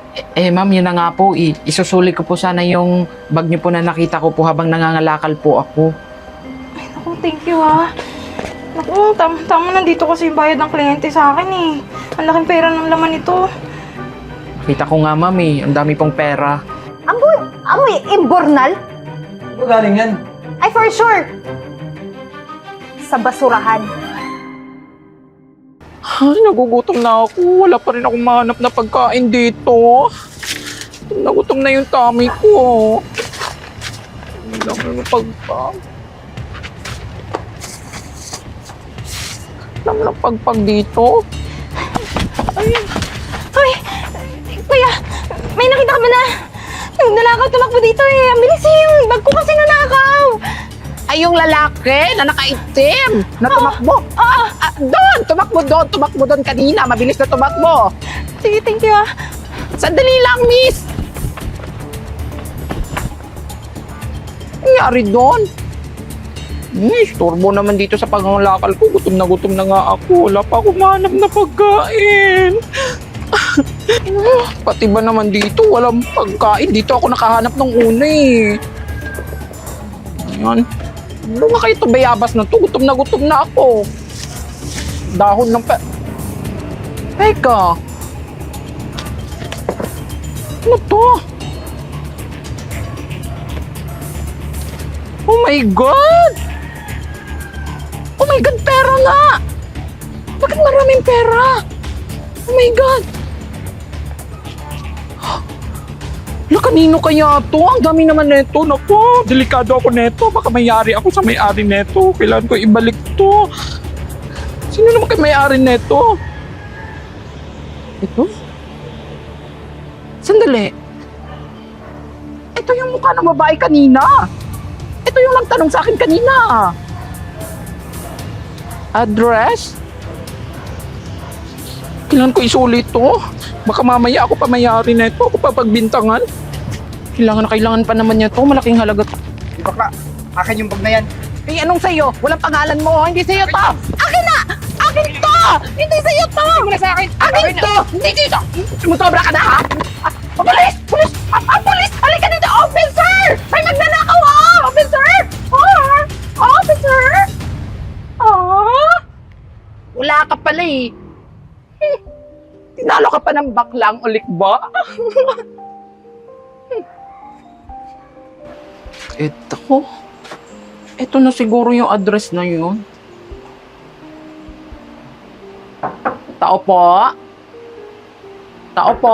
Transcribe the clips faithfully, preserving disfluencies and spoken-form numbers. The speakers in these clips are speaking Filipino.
Eh, ma'am, yun na nga po. I isusuli ko po sana yung bag niyo po na nakita ko po habang nangangalakal po ako. Ay, naku, thank you ah. Naku, tam tama nandito kasi yung bayad ng kliyente sa akin eh. Ang laking pera ng laman ito. Kita ko nga, ma'am, eh. Ang dami pong pera. Amoy, amoy, imbornal? Ano galing yan? Ay, for sure. Sa basurahan. Ay, nagugutom na ako. Wala pa rin akong mahanap na pagkain dito. Nagutom na yung tummy ko. Hindi lang ano pagpag. Lang lang pagpag dito. Ay, kuya, may nakita ka ba na? Yung nalakaw tumakbo dito eh. Ang bilis eh, yung bag ko kasi nanakaw. Ay, yung lalaki na nakaitim na tumakbo. Ah, Ah, doon! Tumakbo doon! Tumakbo doon kanina. Mabilis na tumakbo. sige, thank you ah. Sandali lang, miss! Nangyari doon? Miss, turbo naman dito sa pangangalakal ko. Gutom na gutom na nga ako. Wala pa akong mahanap na pagkain. Pati ba naman dito? Walang pagkain. Dito ako nakahanap ng una eh. Ayan. Ano ba kayo ito bayabas na to? Gutom na gutom na ako. Dahon ng pe... Teka. Ano to? Oh my God! Oh my God, pera nga! Bakit maraming pera? Oh my God! Wala, kanino kaya to? Ang dami naman neto. Naku, delikado ako neto. Baka mayari ako sa may-ari neto. Kailangan ko ibalik to. Sino naman kayo may-ari neto? Ito? Sandali. Ito yung mukha ng babae kanina. Ito yung nagtanong sa akin kanina. Address? Kailangan ko isulit to. Baka mamaya ako pa mayari na ito. Ako pa pagbintangan. Kailangan na kailangan pa naman niya to. Malaking halaga to. Bakla, akin yung bag na yan. Eh, anong sa'yo? Walang pangalan mo. Hindi sa'yo to. Akin na! Akin to! Hindi sa'yo to! Hindi mo na sa akin. Akin to! Hindi dito! Sumusobra ka na, ha? Ah, Pulis! Pulis! Ah, ah, pulis! Halika dito! Officer! May magnanakaw, ha! Officer! Ah! Officer! Ah! Wala ka pala, eh. Hmm. Tinalo ka pa ng baklang ulik ba? Ito. Ito na siguro yung address na yun. Tao po. Tao po.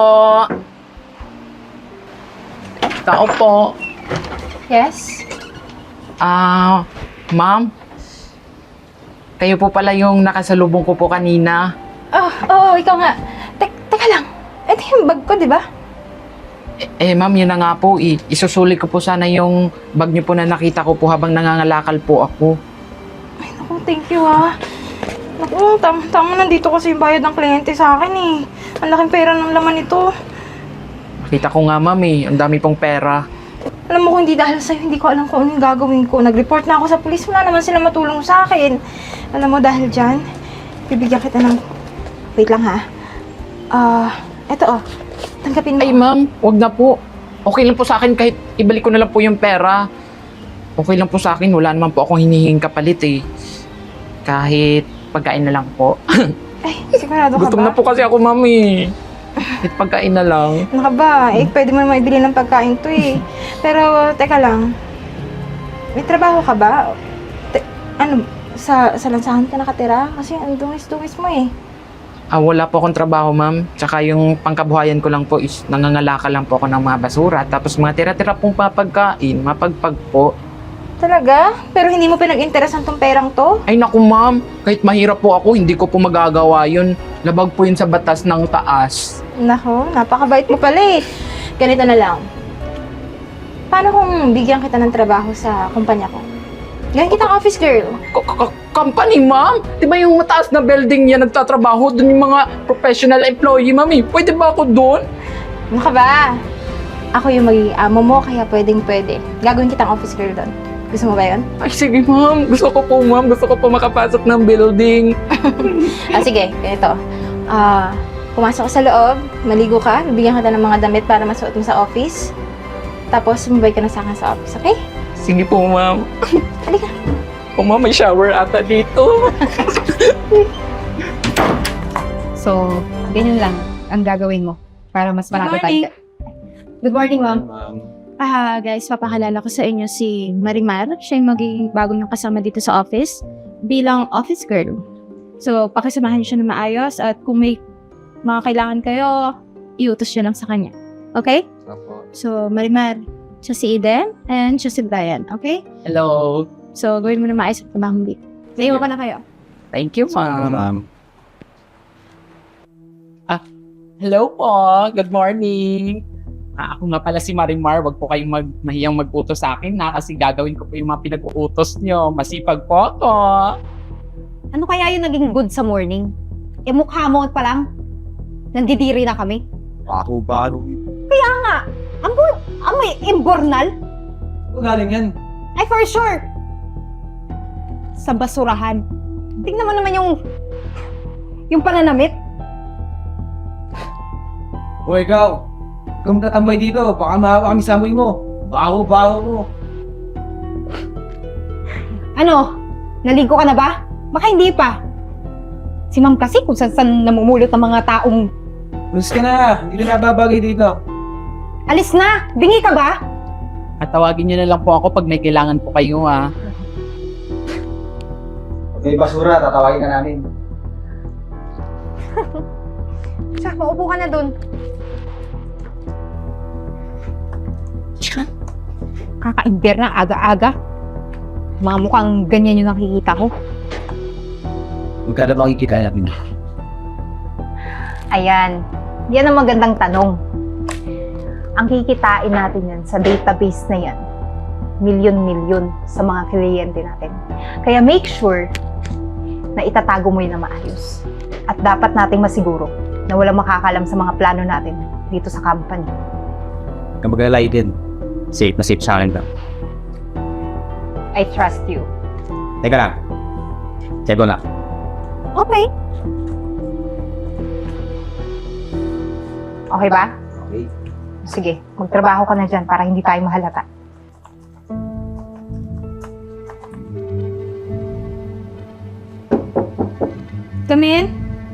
Tao po. Yes? Ah, ma'am. Kayo po pala yung nakasalubong ko po kanina. Oh, oo, ikaw nga. Tek teka lang. Ito yung bag ko, di ba? Eh, eh ma'am, yun na nga po. I isusuli ko po sana yung bag niyo po na nakita ko po habang nangangalakal po ako. Ay, naku, thank you ah. Naku, tam tama nandito kasi yung bayad ng kliyente sa akin eh. Ang laking pera ng laman ito. Kita ko nga, ma'am, eh. Ang dami pong pera. Alam mo kung hindi dahil sa'yo, hindi ko alam kung anong gagawin ko. Nag-report na ako sa pulis, wala naman sila matulong sa akin. Alam mo, dahil dyan, bibigyan kita ng... Wait lang ha. Ah, eto oh. Tanggapin mo. Ay, ma'am, wag na po. Okay lang po sa akin kahit ibalik ko na lang po yung pera. Okay lang po sa akin. Wala naman po akong hinihinging kapalit eh. Kahit pagkain na lang po. Ay, sigurado ka Gutom ba? na po kasi ako, ma'am eh. Kahit pagkain na lang. Ano ka ba? Eh, pwede mo naman ibili ng pagkain to eh. Pero, teka lang. May trabaho ka ba? Te- ano, sa, sa lansahan ka nakatira? Kasi ang dungis-dungis mo eh. Ah, wala po akong trabaho, ma'am. Tsaka yung pangkabuhayan ko lang po is nangangalakal lang po ako ng mga basura. Tapos mga tira-tira pong papagkain, mapagpag po. Talaga? Pero hindi mo pinag-interesan tong perang to? Ay naku, ma'am. Kahit mahirap po ako, hindi ko po magagawa yun. Labag po yun sa batas ng taas. Nako, napakabait mo pala eh. Ganito na lang. Paano kung bigyan kita ng trabaho sa kumpanya ko? Gawin kitang office girl. K- k- company, ma'am? Di ba yung mataas na building yan nagtatrabaho? Doon yung mga professional employee, ma'am eh. Pwede ba ako doon? Ano ka ba? Ako yung magiging amo mo, kaya pwedeng pwede. Gagawin kitang office girl doon. Gusto mo ba yun? Ay, sige, ma'am. Gusto ko po, ma'am. Gusto ko po makapasok ng building. Ah, sige, ganito. Ah, pumasok ka sa loob, maligo ka, bibigyan kita ng mga damit para masuot mo sa office. Tapos, sumabay ka na sa akin sa office, okay? Sige po, ma'am. Halika. O ma'am, may shower ata dito. So, ganyan lang ang gagawin mo para mas marami tayo. Good morning, ma'am. Ah, guys, papakalala ko sa inyo si Marimar. Siya yung magiging bago niyong kasama dito sa office bilang office girl. So, pakisamahan niyo siya na maayos at kung may mga kailangan kayo, iutos niyo lang sa kanya. Okay? So, Marimar, siya si Eden and siya si Brian. Okay? Hello. So, gawin mo na maayos at trabaho mo dito. Naiwan ka na kayo. Thank you, ma'am. Ma'am. Hello po. Good morning. Ah, ako nga pala si Marimar. Wag po kayong mag mahiyang mag-utos sa akin na kasi gagawin ko po yung mga pinag-uutos nyo. Masipag po ako. Ano kaya yung naging good sa morning? E mukha mo pa lang. Nandidiri na kami. Ako ba? Kaya nga, amoy, amoy imbornal? Saan galing yan? Ay, for sure. Sa basurahan. Tingnan mo naman yung, yung pananamit. O ikaw, kung tatambay dito, baka mahawa kami sa amoy mo. Baho-baho mo. Ano? Naligo ka na ba? Baka hindi pa. Si ma'am kasi kung saan-saan namumulot ng mga taong Luis ka na, hindi na nababagay dito. alis na. Bingi ka ba? At tawagin nyo na lang po ako pag may kailangan po kayo, ha. Pag may basura, tatawagin ka namin. Siya, maupo ka na dun. Kakaimber na aga-aga. Mga mukhang ganyan yung nakikita ko. Magkano makikita namin? Ayan. Yan ang magandang tanong. Ang kikitain natin yan sa database na yan, milyon-milyon sa mga kliyente natin. Kaya make sure na itatago mo yun na maayos. At dapat nating masiguro na walang makakalam sa mga plano natin dito sa company. Kung mag-alay din, safe na safe sa akin ba? I trust you. Teka lang. Check ko na. Okay. Okay ba? Okay. Sige, magtrabaho ka na dyan para hindi tayo mahalata. Come in.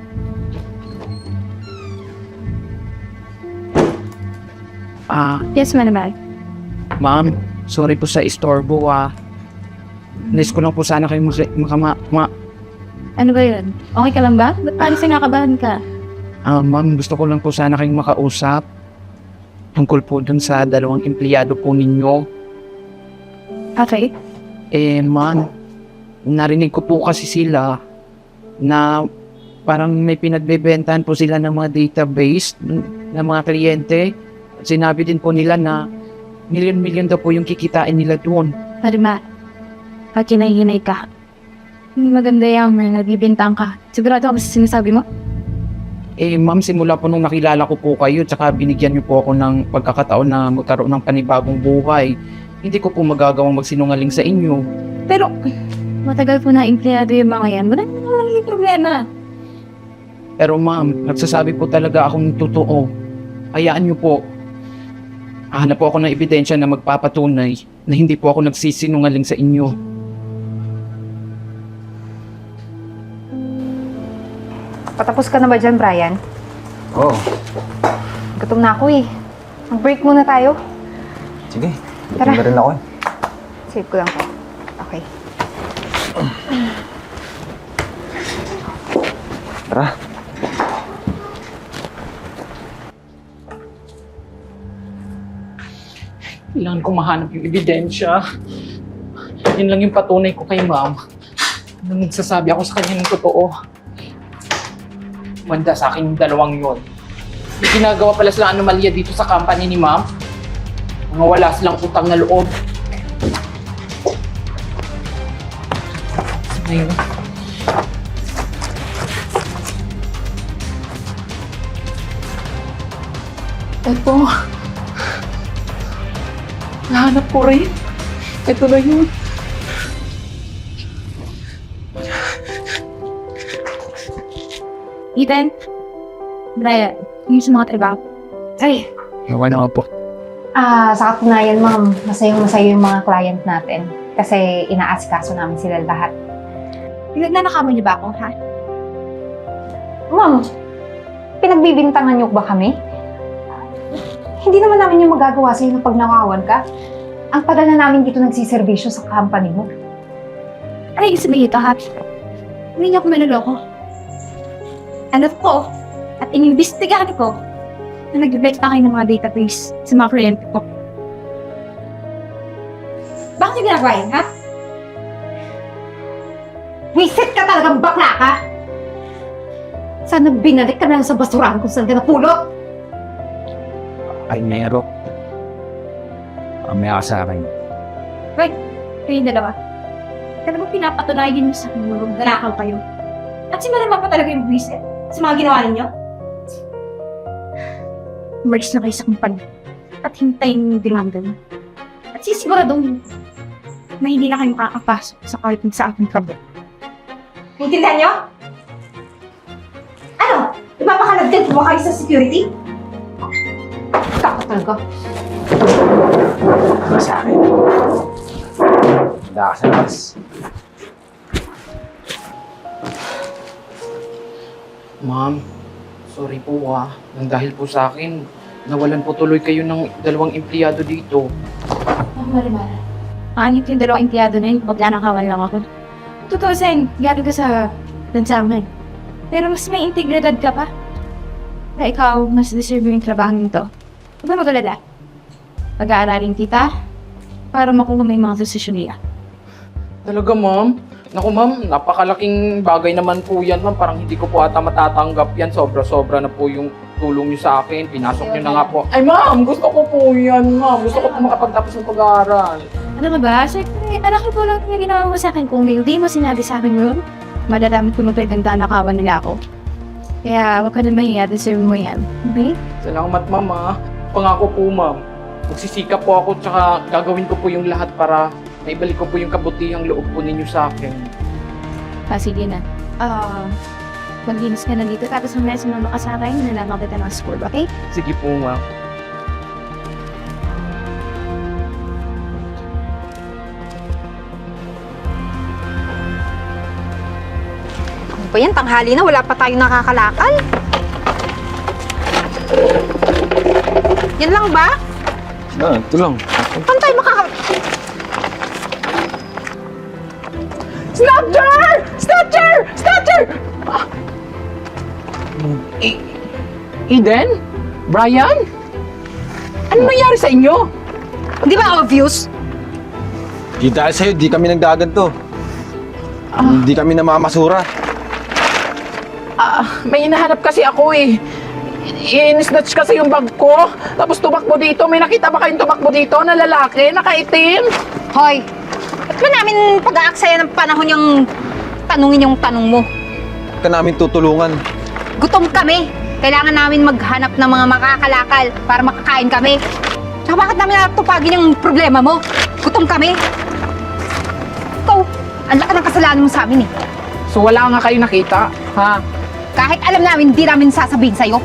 Ah, Yes, Marimar. ma'am, sorry po sa istorbo, ah. Nais ko lang po sana kayo maka, maka, ma, Ano ba yun? Okay ka lang ba? Ba't parang sinakabahan ka? ah, ma'am, gusto ko lang po sana kayong makausap. Tungkol po dun sa dalawang empleyado po ninyo. Okay. Eh, ma'am, narinig ko po kasi sila na parang may pinagbebentahan po sila ng mga database ng ng mga kliyente. Sinabi din po nila na milyon-milyon daw po yung kikitain nila doon. Marimar, pag kinahinay ka, hindi maganda yung may nagbibintang ka. Sigurado ako sa sinasabi mo? Eh, ma'am, simula po nung nakilala ko po kayo, tsaka binigyan niyo po ako ng pagkakataon na magkaroon ng panibagong buhay, hindi ko po magagawang magsinungaling sa inyo. Pero, matagal po na empleyado yung mga yan. Wala naman naging problema. Pero ma'am, nagsasabi po talaga akong totoo. Hayaan niyo po. Hanap po ako ng ebidensya na magpapatunay na hindi po ako nagsisinungaling sa inyo. Patapos ka na ba dyan, Brian? Oo. Oh, Gutom na ako eh. Mag-break muna tayo. sige. Tara. Gutom na rin ako eh. Save ko lang to. Okay. Tara. Kailangan ko mahanap yung ebidensya. Yun lang yung patunay ko kay ma'am. Nung nagsasabi ako sa kanya ng totoo. Manda sa akin yung dalawang yun. May ginagawa pala silang anomalya dito sa company ni ma'am. Mga wala silang utang na loob. Ngayon. Ito. Nahanap ko rin. Ito na yun. Ethan, Brian, yung sa mga trabaho. Ay, Ewan ako po. ah, sa katunayan, ma'am, masayang masaya yung mga client natin. Kasi inaasikaso namin sila lahat. Pinagnanakaman niyo ba ako, ha? Ma'am, pinagbibintangan niyo ba kami? Hindi naman namin yung magagawa sa'yo na pagnakawan ka. Ang tagal na namin dito nagsiservisyo sa company mo. Ano yung sabihin ito, ha? Hindi niyo ako manuloko. Alam ko, at inimbestigahan ko, na nag-reflect kayo ng mga database sa mga kliyente ko. Bakit niyo ginagawa yun, ha? Wisit ka talagang bakla ka! Sana binalik ka na lang sa basurahan kung saan ka napulot! Ay, Nero. Mamaya ka sa akin. Kayong dalawa. Talagang pinapatunayan niyo sa akin yung ganakaw kayo. At si Marimar pa talaga yung buwisit sa mga ginawa ninyo. Umalis na kayo sa kumpanya at hintayin yung demanda niyo. At sisiguradong na hindi na kayo makakapasok sa kahit sa ating trabaho. Naintindihan niyo? Ano? Ipapakalagdag mo kayo sa security? Kako talaga. Hindi sa akin. Handa ka sa labas. Ma'am, sorry po ah. Nang dahil po sa akin, nawalan po tuloy kayo ng dalawang empleyado dito. Oh, Marimar. Anit yung dalawang empleyado na yun, maglanakawan lang ako. Totoo, Sen, galing ka sa lansangan. Pero mas may integridad ka pa. Na ikaw, mas deserve yung trabaho nito. Huwag ka magalala. Pag-aaralin kita para makuha mo yung mga desisyon niya. Talaga, ma'am? Naku, ma'am, napakalaking bagay naman po yan, ma'am. Parang hindi ko po ata matatanggap yan. Sobra-sobra na po yung tulong niyo sa akin. Pinasok niyo na nga po. Ay, ma'am, gusto ko po yan, ma'am. Gusto ko po makapagtapos ng pag-aaral. Ano ka ba? Siyempre, anak ko lang yung ginawa mo sa akin. Kung hindi mo sinabi sa akin yun, madadami ko nung pinagdanakawan nila ako. Kaya huwag ka na mahiya, deserve mo yan. Okay? Salamat, ma'am, ah. Pangako po, ma'am. Magsisikap po ako, tsaka gagawin ko po yung lahat para naibalik ko po yung kabutihang loob po ninyo sa akin. Ah, sige na. Ah, maglinis ka na dito. Tapos mamaya sumama ka sa akin, nalaman kita ng score, okay? Sige po, ma'am. Ano ba yan? Tanghali na, wala pa tayong nakakalakal. Yan lang ba? Ah, ito lang. Paano tayo makaka... Snatcher! Snatcher! Snatcher! Ah. E- Eden? Brian? Ano nangyari sa inyo? Di ba obvious? Di dahil sa'yo, di kami nagdaganto. Hindi kami namamasura. Ah, may hinahanap kasi ako eh. In-snatch kasi yung bag ko. Tapos tumakbo dito. May nakita ba kayong tumakbo dito na lalaki, nakaitim? Hoy, ba't ba namin pag-aaksaya ng panahon yung tanungin yung tanong mo? Ka namin tutulungan. Gutom kami. Kailangan namin maghanap ng mga makakalakal para makakain kami. Tsaka bakit namin natupagin yung problema mo? Gutom kami. Ikaw, ang laki ng kasalanan mo sa amin eh. So wala nga kayo nakita, ha? Kahit alam namin, hindi namin sasabihin sa'yo.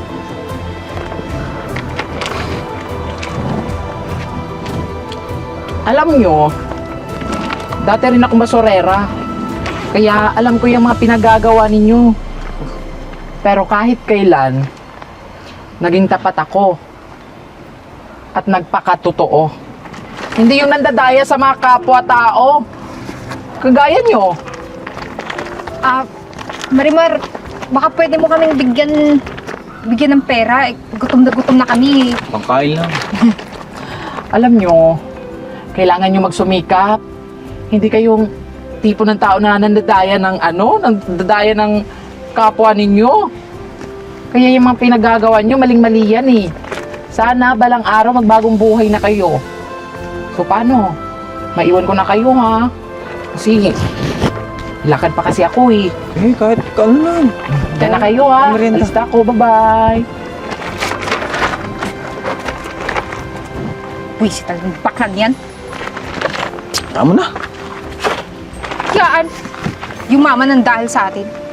Alam nyo, dati rin ako masorera. Kaya alam ko yung mga pinagagawa ninyo. Pero kahit kailan, naging tapat ako. At nagpakatotoo. Hindi yung nandadaya sa mga kapwa-tao. Kagaya nyo. Ah, Marimar, baka pwede mo kaming bigyan bigyan ng pera. Eh, gutom na gutom na kami. Pangkain lang. Alam nyo, kailangan nyo magsumikap. Hindi kayong tipo ng tao na nandadaya ng ano, nandadaya ng kapwa ninyo. Kaya yung mga pinagagawa nyo, maling-mali yan eh. Sana balang araw magbagong buhay na kayo. So paano? Maiwan ko na kayo ha. Kasi lakad pa kasi ako eh. Eh, kahit ano lang. Diyan na kayo ha. Merienda. Alista ko, bye-bye. Uy, si talagang baklan yan. Tama na. Yaan, yung mama ng dahil sa atin.